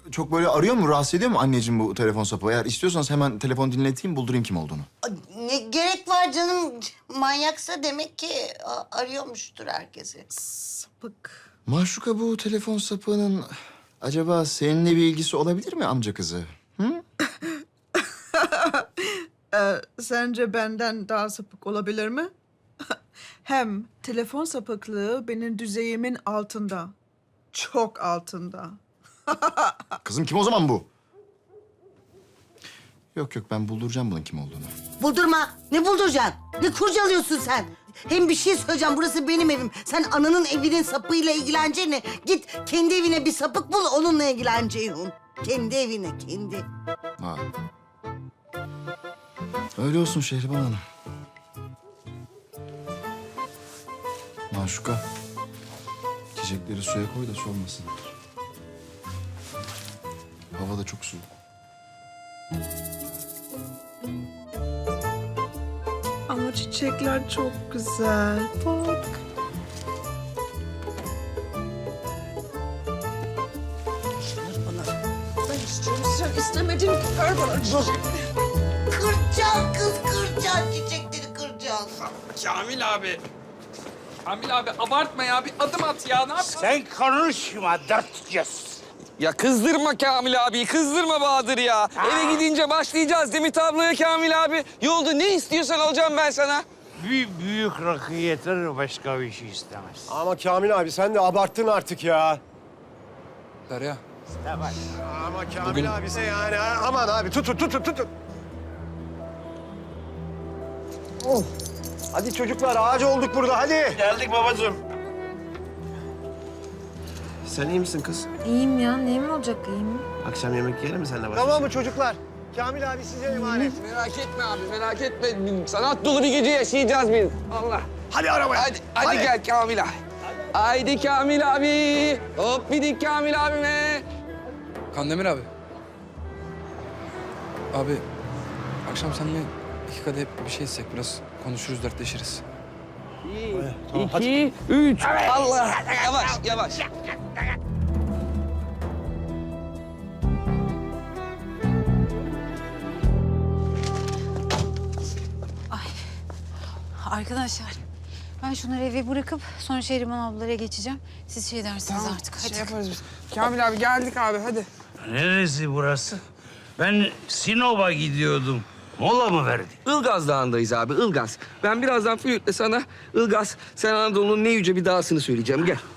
çok böyle arıyor mu, rahatsız ediyor mu anneciğim bu telefon sapı? Eğer istiyorsanız hemen telefon dinleteyim, buldurayım kim olduğunu. Ne gerek var canım? Manyaksa demek ki arıyormuştur herkesi. Sapık. Maşuka, bu telefon sapığının acaba seninle bir ilgisi olabilir mi amca kızı? Hı? Sence benden daha sapık olabilir mi? Hem telefon sapıklığı benim düzeyimin altında. Çok altında. Kızım kim o zaman bu? Yok ben bulduracağım bunun kim olduğunu. Buldurma. Ne bulduracaksın? Ne kurcalıyorsun sen? Hem bir şey söyleyeceğim. Burası benim evim. Sen ananın evinin sapıyla ilgileneceğine git kendi evine bir sapık bul, onunla ilgileneceğin. Kendi evine, kendi. Ha. Öyle olsun Şehriban Hanım. Maşuka, çiçekleri suya koy da solmasınlar. Hava da çok soğuk. Ama çiçekler çok güzel. Bak. Ben istiyorum, sen istemedin. Ver bana çiçek. Kıracaksın kız, kıracaksın. Çiçekleri kıracaksın. Kamil abi. Kamil abi abartma ya. Bir adım at ya. Ne yapıyorsun? Sen konuşma dört göz. Ya kızdırma Kamil abi. Kızdırma Bahadır ya. Eve gidince başlayacağız değil mi tabloya Kamil abi? Yolda ne istiyorsan alacağım ben sana. Büyük rakı yeter, başka bir şey istemez. Ama Kamil abi sen de abarttın artık ya. Derya. Ama Kamil abi sen yani aman abi tutun. Oh. Hadi çocuklar ağacı olduk burada hadi. Geldik babacığım. Sen iyi misin kız? İyiyim ya. Neyim olacak iyiyim? Akşam yemek yiyelim mi seninle baş Tamam başa? mı çocuklar? Kamil abi size emanet. Merak etme abi merak etme. Sanat dolu bir gece yaşayacağız biz. Allah. Hadi arabaya. Hadi gel Kamil abi. Haydi Kamil abi. Hop bidik Kamil abime. Kandemir abi. Abi, akşam seninle 2 kadeh bir şey içsek, biraz konuşuruz, dertleşiriz. 2, 3. Allah. Yavaş. Arkadaşlar ben şunları eve bırakıp sonra Şehriban ablalara geçeceğim. Siz şey dersiniz artık. Hadi. Şey yaparız biz. Kamil abi geldik abi hadi. Neresi burası? Ben Sinop'a gidiyordum. Mola mı verdi? Ilgaz Dağı'ndayız abi, Ilgaz. Ben birazdan flütle sana Ilgaz, Sen Anadolu'nun ne yüce bir dağısını söyleyeceğim. Gel.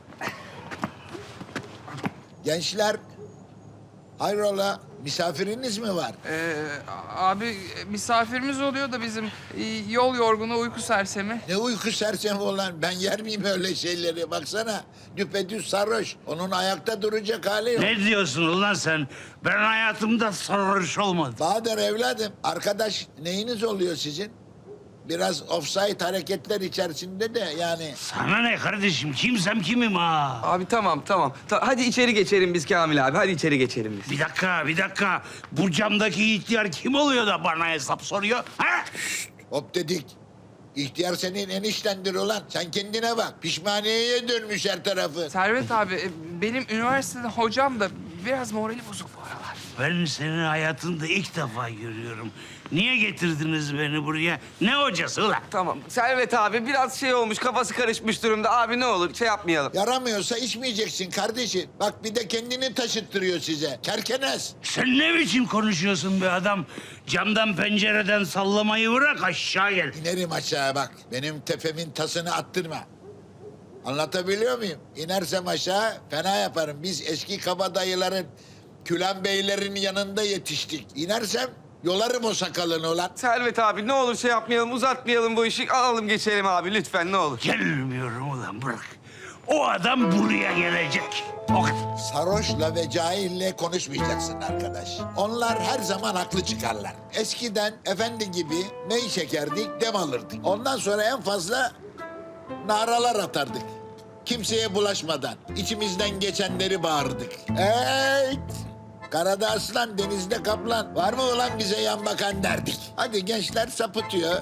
Gençler, hayrola misafiriniz mi var? Abi misafirimiz oluyor da bizim yol yorgunu, uyku sersemi. Ne uyku sersemi olan, ben yer miyim öyle şeyleri? Baksana, düpedüz sarhoş. Onun ayakta duracak hali yok. Ne diyorsun ulan sen? Ben hayatımda sarhoş olmadım. Bahadır evladım, arkadaş neyiniz oluyor sizin? Biraz offside hareketler içerisinde de yani. Sana ne kardeşim? Kimsem kimim ha? Abi tamam. Hadi içeri geçelim biz Kamil abi. Hadi içeri geçelim biz. Bir dakika. Bu camdaki ihtiyar kim oluyor da bana hesap soruyor? Ha? Hop dedik. İhtiyar senin eniştendir ulan. Sen kendine bak. Pişmaniyeye dönmüş her tarafı. Servet abi benim üniversitede hocam da biraz morali bozuk bu aralar. Ben seni hayatımda ilk defa görüyorum. Niye getirdiniz beni buraya? Ne hocası ulan? Tamam. Servet abi biraz şey olmuş, kafası karışmış durumda. Abi ne olur şey yapmayalım. Yaramıyorsa içmeyeceksin kardeşim. Bak bir de kendini taşıttırıyor size. Kerkenes. Sen ne biçim konuşuyorsun be adam? Camdan pencereden sallamayı bırak aşağı gel. İnerim aşağıya bak. Benim tepemin tasını attırma. Anlatabiliyor muyum? İnersem aşağı fena yaparım. Biz eski kabadayıların, Külen beylerin yanında yetiştik. İnersem yolarım o sakalını ulan. Servet abi ne olur şey yapmayalım, uzatmayalım bu işi. Alalım geçelim abi lütfen ne olur. Gelmiyorum ulan bırak. O adam buraya gelecek. O kadar. Sarhoşla ve cahille konuşmayacaksın arkadaş. Onlar her zaman haklı çıkarlar. Eskiden efendi gibi ney çekerdik, dem alırdık. Ondan sonra en fazla naralar atardık. Kimseye bulaşmadan, içimizden geçenleri bağırdık. Evet. Karada aslan, denizde kaplan. Var mı ulan bize yan bakan derdik. Hadi gençler sapıtıyor.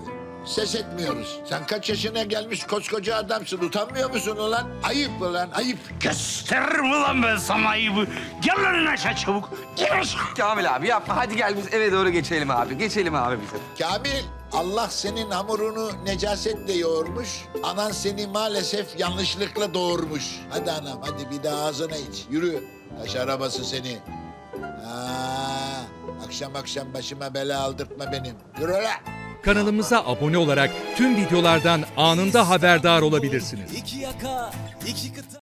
ses etmiyoruz. Sen kaç yaşına gelmiş koskoca adamsın. Utanmıyor musun ulan? Ayıp ulan, ayıp. Gösteririm ulan ben sana ayıbı. Gel lan in aşağı çabuk. İn aşağı. Kamil abi yapma. Hadi gel biz eve doğru geçelim abi. Geçelim abi bize. Kamil, Allah senin hamurunu necasetle yoğurmuş. Anan seni maalesef yanlışlıkla doğurmuş. Hadi anam, hadi bir daha ağzına iç. Yürü. Taş arabası seni. Akşam akşam başıma bela aldırtma benim. Yürü lan. Kanalımıza abone olarak tüm videolardan anında haberdar olabilirsiniz. İki yaka, iki kıta.